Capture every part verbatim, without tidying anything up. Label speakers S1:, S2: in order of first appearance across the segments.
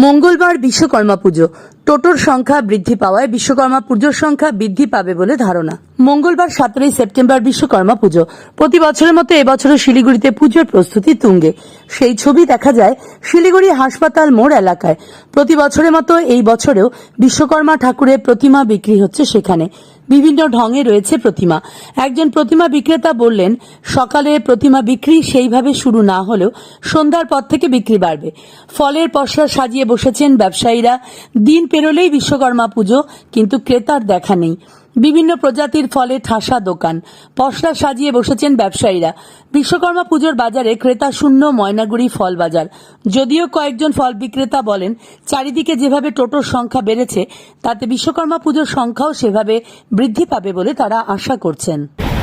S1: মঙ্গলবার বিশ্বকর্মা পুজো। টোটোর সংখ্যা বৃদ্ধি পাওয়ায় বিশ্বকর্মা পুজোর সংখ্যা বৃদ্ধি পাবে বলে ধারণা। মঙ্গলবার সতেরোই সেপ্টেম্বর বিশ্বকর্মা পুজো। প্রতি বছরের মতো এবছরও শিলিগুড়িতে পুজোর প্রস্তুতি তুঙ্গে। সেই ছবি দেখা যায় শিলিগুড়ি হাসপাতাল মোড় এলাকায়। প্রতি বছরের মতো এই বছরেও বিশ্বকর্মা ঠাকুরের প্রতিমা বিক্রি হচ্ছে সেখানে। বিভিন্ন ঢঙে রয়েছে প্রতিমা। একজন প্রতিমা বিক্রেতা বললেন, সকালে প্রতিমা বিক্রি সেইভাবে শুরু না হলেও সন্ধ্যার পর থেকে বিক্রি বাড়বে। ফলের পসরা সাজিয়ে বসেছেন ব্যবসায়ীরা। দিন পেরোলেই বিশ্বকর্মা পুজো, কিন্তু ক্রেতার দেখা নেই। বিভিন্ন প্রজাতির ফলে ঠাসা দোকান, পসরা সাজিয়ে বসেছেন ব্যবসায়ীরা। বিশ্বকর্মা পুজোর বাজারে ক্রেতা শূন্য ময়নাগুড়ি ফল বাজার। যদিও কয়েকজন ফল বিক্রেতা বলেন, চারিদিকে যেভাবে টোটোর সংখ্যা বেড়েছে তাতে বিশ্বকর্মা পুজোর সংখ্যাও সেভাবে বৃদ্ধি পাবে বলে তারা আশা করছেন।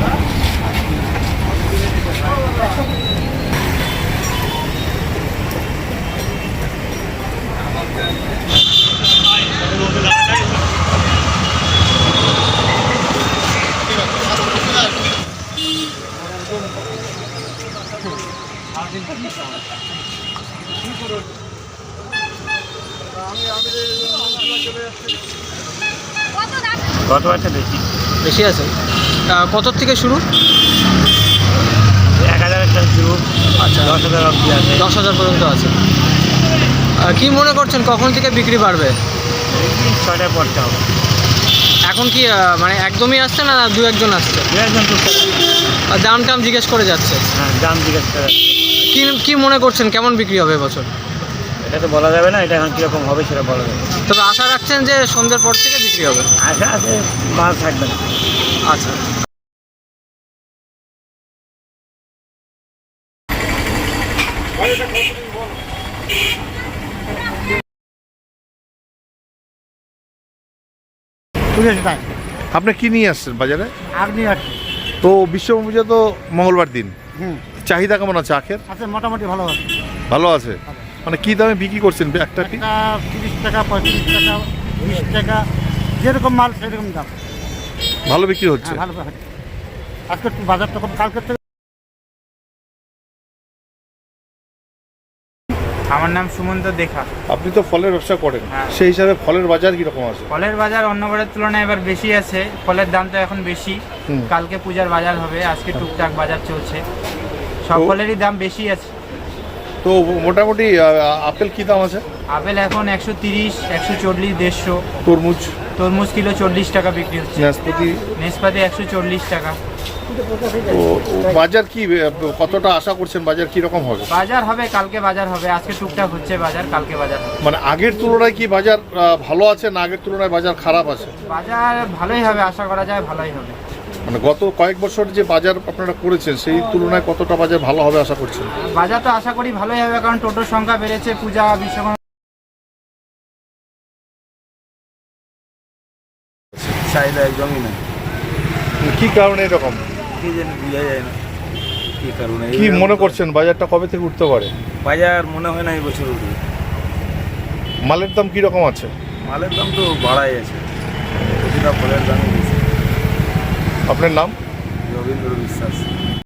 S2: গত বছর বেশি
S3: বেশি আছে। কত থেকে শুরু?
S2: এক হাজারের থেকে শুরু।
S3: আচ্ছা,
S2: দশ হাজার অবধি আছে।
S3: দশ হাজার পর্যন্ত আছে। কি মনে করছেন কখন থেকে বিক্রি বাড়বে?
S2: ছয়টায় পড়তে হবে।
S3: এখন কি মানে একদমই আসছে না দু একজন আসছে?
S2: দু একজন টুকটাক।
S3: আর দাম টাম জিজ্ঞেস করে যাচ্ছে?
S2: হ্যাঁ, দাম জিজ্ঞেস করে যাচ্ছে।
S3: কি কি মনে করছেন কেমন বিক্রি হবে এবছর?
S2: এটা তো বলা যাবে না, এটা এখন কীরকম হবে সেটা বলা যাবে।
S3: তবে আশা রাখছেন যে সন্ধ্যের পর থেকে বিক্রি হবে?
S2: আশা আছে, মাল থাকবে না।
S3: আচ্ছা,
S4: আপনি কি নিয়ে আসছেন বাজারে?
S5: আখ নিয়ে আসছি।
S4: তো বিশ্বকর্মা পুজো তো মঙ্গলবার দিন,
S5: হুম,
S4: চাহিদা কেমন আছে আখের?
S5: আছে মোটামুটি ভালো আছে।
S4: ভালো আছে। মানে কি দামে বিক্রি করছেন একটা? কি
S5: একটা তিরিশ টাকা, পঁয়ত্রিশ টাকা, বিশ টাকা, যেরকম মাল সেরকম দাম।
S4: ভালো বিক্রি হচ্ছে?
S5: হ্যাঁ, ভালো হচ্ছে। আজকে একটু বাজারটা কম, কালকে থেকে।
S6: আমার নাম সুমন্ত দেখা।
S4: আপনি তো ফলের ব্যবসা করেন,
S6: হ্যাঁ।
S4: সেই হিসাবে ফলের বাজার কিরকম আছে?
S6: ফলের বাজার অন্য বারের তুলনায় এবার বেশি আছে। ফলের দাম তো এখন বেশি।
S4: হুম।
S6: কালকে পূজার বাজার হবে, আজকে টুকটাক বাজার চলছে। সব
S4: তো-
S6: ফলেরই দাম বেশি আছে।
S4: তো মোটামুটি আহ, আপেল কি দাম আছে?
S6: আপেল এখন একশো তিরিশ, একশো চল্লিশ, দেড়শো।
S4: তরমুজ?
S6: তরমুজ কিলো চল্লিশ টাকা বিক্রি হচ্ছে।
S4: নাশপাতি?
S6: নেসপাতি একশো চল্লিশ টাকা।
S4: তো বাজার কি আহ, কতটা আশা করছেন বাজার কি রকম হবে?
S6: বাজার হবে, কালকে বাজার হবে। আজকে টুকটাক হচ্ছে বাজার, কালকে বাজার হবে।
S4: মানে আগের তুলনায় কি বাজার আহ, ভালো আছে না আগের তুলনায় বাজার খারাপ আছে?
S6: বাজার ভালোই হবে, আশা করা যায় ভালোই হবে।
S4: মানে গত কয়েক বছর যে বাজার আপনারা করেছেন সেই তুলনায় কতটা বাজার ভালো হবে আশা করছেন?
S6: বাজার তো আশা করি ভালোই হবে, কারণ টোটোর সংখ্যা বেড়েছে। পূজা বিশ্বকর্মা
S7: চাহিদা একদমই না।
S4: কি কারণে এরকম?
S7: কি জানি বোঝা যায় না কি কারণে।
S4: কি মনে করছেন বাজারটা কবে থেকে উঠতে পারে?
S7: বাজার মনে হয় না এই বছর উঠবে।
S4: মালের দাম কি রকম আছে?
S7: মালের দাম তো বাড়াই আছে, প্রতিটা ফলের দামই বেশি।
S4: আপনার নাম?
S7: রবীন্দ্র বিশ্বাস।